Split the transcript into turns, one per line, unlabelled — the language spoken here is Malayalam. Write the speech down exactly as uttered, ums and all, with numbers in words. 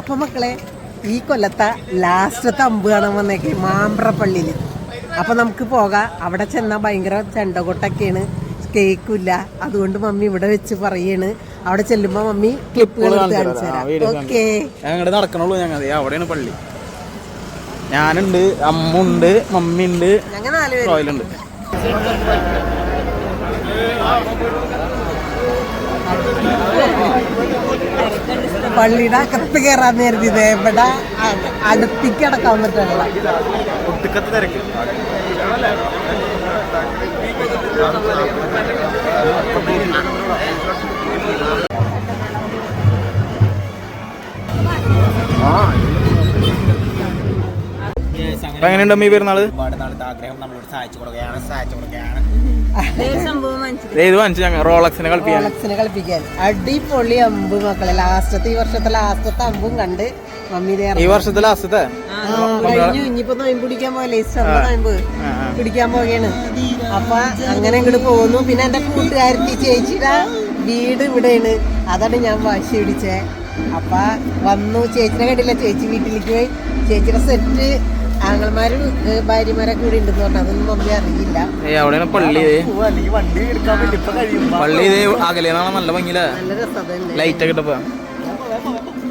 അപ്പൊ മക്കളെ ഈ കൊല്ലത്തെ ലാസ്റ്റത്തെ അമ്പ് കാണാൻ വന്നേക്ക് മാമ്പ്രപ്പള്ളിയില്. അപ്പൊ നമുക്ക് പോകാം. അവിടെ ചെന്നാൽ ഭയങ്കര ചെണ്ടകൊട്ടൊക്കെയാണ്, കേക്കില്ല. അതുകൊണ്ട് മമ്മി ഇവിടെ വെച്ച് പറയാണ്. അവിടെ ചെല്ലുമ്പോ മമ്മി ക്ലിപ്പുകൾ കാണിച്ചു തരാം. ഓക്കെ,
ഞങ്ങൾ നടക്കണുള്ളൂ. ഞങ്ങൾ അവിടെയാണ് പള്ളി. ഞാനുണ്ട്, അമ്മുണ്ട്, മമ്മി ഉണ്ട്,
ഞങ്ങൾ നാല് പേര്.
റോയലുണ്ട്.
പള്ളിയുടെ അകത്ത് കയറാൻ നേരത്തെ ഇവിടെ അടുത്തേക്ക് അടക്കാൻ പറ്റുള്ള
ഒട്ടുക്കത്ത് തിരക്ക്. എങ്ങനെയുണ്ട് അമ്മ ഈ പെരുന്നാള്? ഒരുപാട് നാളത്തെ ആഗ്രഹം നമ്മളോട് സഹായിച്ചു കൊടുക്കുകയാണ് സഹായിച്ചു കൊടുക്കുകയാണ് റോളക്സിനെ
റോളക്സിനെ കളിപ്പിക്കാൻ. അടിപൊളി അമ്പ് മക്കളെ. ലാസ്റ്റത്തെ ഈ വർഷത്തെ ലാസ്റ്റത്തെ അമ്പും കണ്ട് മമ്മി
ഈ വർഷത്തെ ലാസ്റ്റത്തെ
കഴിഞ്ഞു. ഇനിയിപ്പോ നോയമ്പ് പിടിക്കാൻ പോകല്ലേ, നോയമ്പ് പിടിക്കാൻ പോവുകയാണ്. അപ്പൊ അങ്ങനെ ഇങ്ങോട്ട് പോകുന്നു. പിന്നെ എന്റെ കൂട്ടുകാരത്തി ചേച്ചിയുടെ വീട് ഇവിടെയാണ്. അതാണ് ഞാൻ വാശി പിടിച്ചേ. അപ്പൊ വന്നു. ചേച്ചിനെ കണ്ടില്ല, ചേച്ചി വീട്ടിലേക്ക് പോയി. ചേച്ചിയുടെ സെറ്റ് ആങ്ങളമാരും ഭാര്യമാരൊക്കെ ഇവിടെ ഉണ്ടെന്ന് പറഞ്ഞു. അതൊന്നും മമ്മി അറിയില്ല.
അവിടെയാണ് പള്ളി. പള്ളി അകലെ നല്ല ഭംഗിയില്ല,
നല്ല രസം.
ലൈറ്റ് ഒക്കെ ഇട്ടപ്പോ